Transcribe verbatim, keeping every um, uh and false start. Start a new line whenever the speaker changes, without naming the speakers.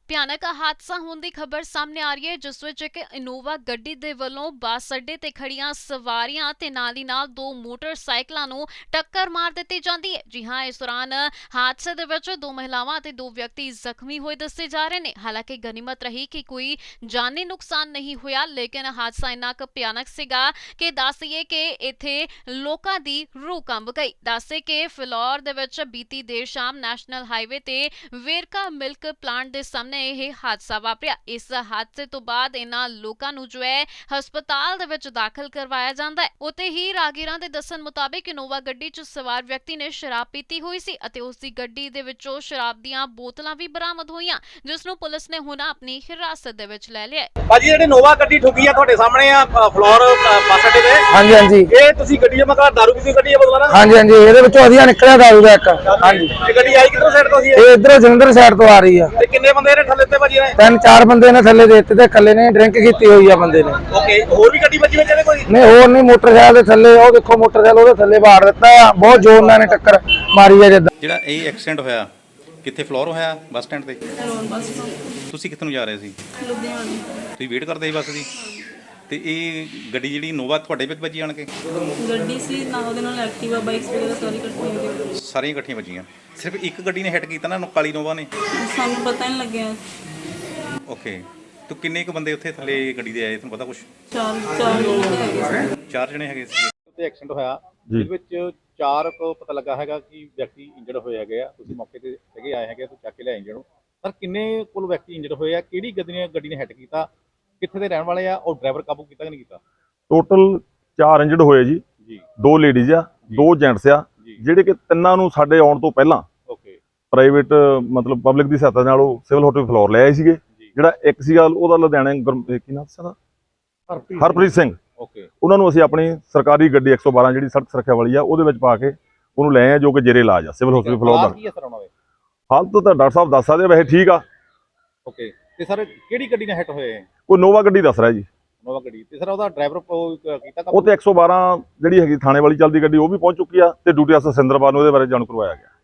ਭਿਆਨਕ ਹਾਦਸਾ ਹੋਣ ਦੀ ਖਬਰ ਸਾਹਮਣੇ ਆ ਰਹੀ ਹੈ, ਜਿਸ ਵਿੱਚ ਇੱਕ ਇਨੋਵਾ ਗੱਡੀ ਦੇ ਵੱਲੋਂ ਬੱਸ ਅੱਡੇ ਤੇ ਖੜੀਆਂ ਸਵਾਰੀਆਂ ਤੇ ਨਾਲ ਹੀ ਨਾਲ ਦੋ ਮੋਟਰਸਾਈਕਲਾਂ ਨੂੰ ਟੱਕਰ ਮਾਰ ਦਿੱਤੀ ਜਾਂਦੀ ਹੈ। ਜੀ ਹਾਂ, ਇਸ ਦੌਰਾਨ ਹਾਦਸੇ ਦੇ ਵਿੱਚ ਦੋ ਮਹਿਲਾਵਾਂ ਤੇ ਦੋ ਵਿਅਕਤੀ ਜ਼ਖਮੀ ਹੋਏ ਦੱਸੇ ਜਾ ਰਹੇ ਨੇ। ਹਾਲਾਂਕਿ ਗਨੀਮਤ ਰਹੀ ਕਿ ਕੋਈ ਜਾਨੀ ਨੁਕਸਾਨ ਨਹੀਂ ਹੋਇਆ, ਲੇਕਿਨ ਹਾਦਸਾ ਇੰਨਾ ਕੁ ਭਿਆਨਕ ਸੀਗਾ ਕਿ ਦੱਸ ਦਈਏ ਕਿ ਇੱਥੇ ਲੋਕਾਂ ਦੀ ਰੂਹ ਕੰਬ ਗਈ। ਦੱਸੇ ਕਿ ਫਿਲੌਰ ਦੇ ਵਿੱਚ ਬੀਤੀ ਦੇਰ ਸ਼ਾਮ ਨੈਸ਼ਨਲ ਹਾਈਵੇ ਤੇ ਵੇਰਕਾ ਮਿਲਕ ਪਲਾਂਟ ਦੇ ਸਾਹਮਣੇ ਇਹ ਹਾਦਸਾ ਵਾਪਰਿਆ। ਇਸ ਹਾਦਸੇ ਤੋਂ ਬਾਅਦ ਇਹਨਾਂ ਲੋਕਾਂ ਨੂੰ ਜੋ ਹੈ ਹਸਪਤਾਲ ਦੇ ਵਿੱਚ ਦਾਖਲ ਕਰਵਾਇਆ ਜਾਂਦਾ ਹੈ। ਉੱਥੇ ਹੀ ਰਾਗੀਰਾਂ ਦੇ ਦੱਸਣ ਮੁਤਾਬਿਕ ਇਨੋਵਾ ਗੱਡੀ 'ਚ ਸਵਾਰ ਵਿਅਕਤੀ ਨੇ ਸ਼ਰਾਬ ਪੀਤੀ ਹੋਈ ਸੀ ਅਤੇ ਉਸ ਦੀ ਗੱਡੀ ਦੇ ਵਿੱਚੋਂ ਸ਼ਰਾਬ ਦੀਆਂ ਬੋਤਲਾਂ ਵੀ ਬਰਾਮਦ ਹੋਈਆਂ, ਜਿਸ ਨੂੰ ਪੁਲਿਸ ਨੇ ਹੁਣ ਆਪਣੀ ਹਿਰਾਸਤ ਦੇ ਵਿੱਚ ਲੈ ਲਿਆ ਹੈ।
ਭਾਜੀ ਜਿਹੜੀ ਇਨੋਵਾ ਗੱਡੀ ਠੁੱਕੀ ਆ ਤੁਹਾਡੇ ਸਾਹਮਣੇ ਆ ਫਲੋਰ ਬੱਸ ਅੱਡੇ ਤੇ।
ਹਾਂਜੀ ਹਾਂਜੀ,
ਇਹ ਤੁਸੀਂ ਗੱਡੀ ਮਤਲਬ ਦਾਰੂ ਪੀਤੀ ਗੱਡੀ ਆ ਬਦਲਾ ਨਾ?
ਹਾਂਜੀ ਹਾਂਜੀ, ਇਹਦੇ ਵਿੱਚੋਂ ਵਧੀਆ ਨਿਕਲਿਆ ਦਾਰੂ ਦਾ ਇੱਕ। ਹਾਂਜੀ,
ਇਹ ਗੱਡੀ ਆਈ ਕਿੱਧਰੋਂ ਸਾਈਡ ਤੋਂ ਸੀ?
ਇਹ ਇਧਰੋਂ ਜਲੰਧਰ ਸਾਈਡ ਤੋਂ ਆ ਰਹੀ ਆ।
ਤੇ ਕਿੰਨੇ ਬੰਦੇ ਨੇ ਥੱਲੇ ਤੇ ਭਾਜੀ ਨੇ?
ਤਿੰਨ ਚਾਰ ਬੰਦੇ ਨੇ ਥੱਲੇ ਦੇ ਦਿੱਤੇ ਤੇ ਇਕੱਲੇ ਨੇ ਡਰਿੰਕ ਕੀਤੀ ਹੋਈ ਆ ਬੰਦੇ ਨੇ।
ਓਕੇ, ਹੋਰ ਵੀ ਗੱਡੀ ਵੱਜੀ ਵਿੱਚ ਇਹਦੇ ਕੋਈ?
ਨਹੀਂ, ਹੋਰ ਨਹੀਂ, ਮੋਟਰਸਾਈਕਲ ਦੇ ਥੱਲੇ ਉਹ ਦੇਖੋ, ਮੋਟਰਸਾਈਕਲ ਉਹਦੇ ਥੱਲੇ ਬਾੜ ਦਿੱਤਾ ਆ। ਬਹੁਤ ਜ਼ੋਰ ਨਾਲ ਨੇ ਟੱਕਰ ਮਾਰੀ ਆ। ਜਿੱਦਾਂ
ਜਿਹੜਾ ਇਹ ਐਕਸੀਡੈਂਟ ਹੋਇਆ ਕਿੱਥੇ ਫਲੋਰ ਹੋਇਆ? ਬੱਸ ਸਟੈਂਡ ਤੇ।
ਬੱਸ
ਤੁਸੀਂ ਕਿੱਥੇ ਨੂੰ ਜਾ ਰਹੇ ਸੀ?
ਲੁਧਿਆਣੇ।
ਤੁਸੀਂ ਵੇਟ ਕਰਦੇ ਸੀ ਬੱਸ ਦੀ? ਤੇ ਇਹ ਗੱਡੀ ਜਿਹੜੀ ਇਨੋਵਾ ਤੁਹਾਡੇ ਵਿੱਚ ਵੱਜੀ ਆਣ ਕੇ?
ਗੱਡੀ ਸੀ ਨਾ, ਉਹਦੇ ਨਾਲ ਐਕਟਿਵਾ ਬਾਈਕਸ ਵਗੈਰਾ ਸਾਰੀ ਇਕੱਠੀਆਂ ਹੋ ਗਈਆਂ।
ਸਾਰੀਆਂ ਇਕੱਠੀਆਂ ਵੱਜੀਆਂ? ਸਿਰਫ ਇੱਕ ਗੱਡੀ ਨੇ ਹਿੱਟ ਕੀਤਾ ਨਾ, ਕਾਲੀ ਇਨੋਵਾ ਨੇ?
ਸਾਨੂੰ ਪਤਾ ਨਹੀਂ ਲੱਗਿਆ।
ਓਕੇ, ਤੇ ਕਿੰਨੇ ਕੁ ਬੰਦੇ ਉੱਥੇ ਥੱਲੇ ਗੱਡੀ ਦੇ ਆਏ, ਤੁਹਾਨੂੰ ਪਤਾ ਕੁਛ?
ਚਾਰ ਚਾਰ ਜਣੇ ਹੈਗੇ ਸੀ।
ਚਾਰ ਜਣੇ ਹੈਗੇ ਸੀ।
ਉੱਤੇ ਐਕਸੀਡੈਂਟ ਹੋਇਆ, ਜਿਸ ਵਿੱਚ ਚਾਰ ਕੋ ਪਤਾ ਲੱਗਾ ਹੈਗਾ ਕਿ ਵਿਅਕਤੀ ਇੰਜਰਡ ਹੋਏ ਹੈਗੇ ਆ। ਤੁਸੀਂ ਮੌਕੇ ਤੇ ਹੈਗੇ ਆਏ ਹੈਗੇ, ਤੁਸੀਂ ਚੱਕ ਕੇ ਲਿਆਏ ਇੰਜਰਡ ਨੂੰ। ਪਰ ਕਿੰਨੇ ਕੋਲ ਵਿਅਕਤੀ ਇੰਜਰਡ ਹੋਏ ਆ? ਕਿਹੜੀ ਗੱਡੀ ਨੇ ਗੱਡੀ ਨੇ ਹਿੱਟ ਕੀਤਾ? ਕਿੱਥੇ ਦੇ ਰਹਿਣ ਵਾਲੇ ਆ? ਔਰ ਡਰਾਈਵਰ ਕਾਬੂ ਕੀਤਾ ਕਿ ਨਹੀਂ ਕੀਤਾ?
ਟੋਟਲ ਚਾਰ ਇੰਜਰਡ ਹੋਏ ਜੀ
ਜੀ।
ਦੋ ਲੇਡੀਜ਼ ਆ, ਦੋ ਜੈਂਟਸ ਆ, ਜਿਹੜੇ ਕਿ ਤਿੰਨਾਂ ਨੂੰ ਸਾਡੇ ਆਉਣ ਤੋਂ ਪਹਿਲਾਂ
ਓਕੇ
ਪ੍ਰਾਈਵੇਟ ਮਤਲਬ ਪਬਲਿਕ ਦੀ ਸਹਾਇਤਾ ਨਾਲ ਉਹ ਸਿਵਲ ਹਸਪਤਾਲ ਫਲੋਰ ਲੈ ਆਏ ਸੀਗੇ। ਜਿਹੜਾ ਇੱਕ ਸੀਗਾ ਉਹਦਾ ਲੁਧਿਆਣੇ ਕੀ ਨਾਮ ਸੀ ਉਹਦਾ? ਹਰਪ੍ਰੀਤ ਸਿੰਘ।
ਓਕੇ,
ਉਹਨਾਂ ਨੂੰ ਅਸੀਂ ਆਪਣੀ ਸਰਕਾਰੀ ਗੱਡੀ ਇੱਕ ਸੌ ਬਾਰਾਂ ਜਿਹੜੀ ਸੜਕ ਸੁਰੱਖਿਆ ਵਾਲੀ ਆ ਉਹਦੇ ਵਿੱਚ ਪਾ ਕੇ ਉਹਨੂੰ ਲੈ ਆਏ, ਜੋ ਕਿ ਜੇਰੇ ਇਲਾਜ ਆ ਸਿਵਲ ਹਸਪਤਾਲ ਫਲੋਰ ਦਾ।
ਕੀ ਅਸਰ ਆਉਣਾ ਵੇ?
ਹਾਲਤ ਤਾਂ ਡਾਕਟਰ ਸਾਹਿਬ ਦੱਸ ਸਕਦੇ, ਵੈਸੇ ਠੀਕ ਆ।
ਓਕੇ, ਤੇ ਸਰ ਕਿਹੜੀ ਗੱਡੀ ਨੇ ਹਿੱਟ ਹੋਏ?
ਕੋਈ ਨੋਵਾ ਗੱਡੀ ਦੱਸ ਰਿਹਾ ਜੀ।
ਨੋਵਾ ਗੱਡੀ। ਤੇ ਸਰ ਉਹਦਾ ਡਰਾਈਵਰ ਕੀਤਾ
ਉਹ ਤੇ ਇੱਕ ਸੌ ਬਾਰਾਂ ਜਿਹੜੀ ਹੈਗੀ ਥਾਣੇ ਵਾਲੀ ਚੱਲਦੀ ਗੱਡੀ ਉਹ ਵੀ ਪਹੁੰਚ ਚੁੱਕੀ ਆ ਤੇ ਡਿਊਟੀ ਅਫਸਰ ਸਿੰਦਰਪਾਲ ਨੂੰ ਇਹਦੇ ਬਾਰੇ ਜਾਣੂ ਕਰਵਾਇਆ ਗਿਆ।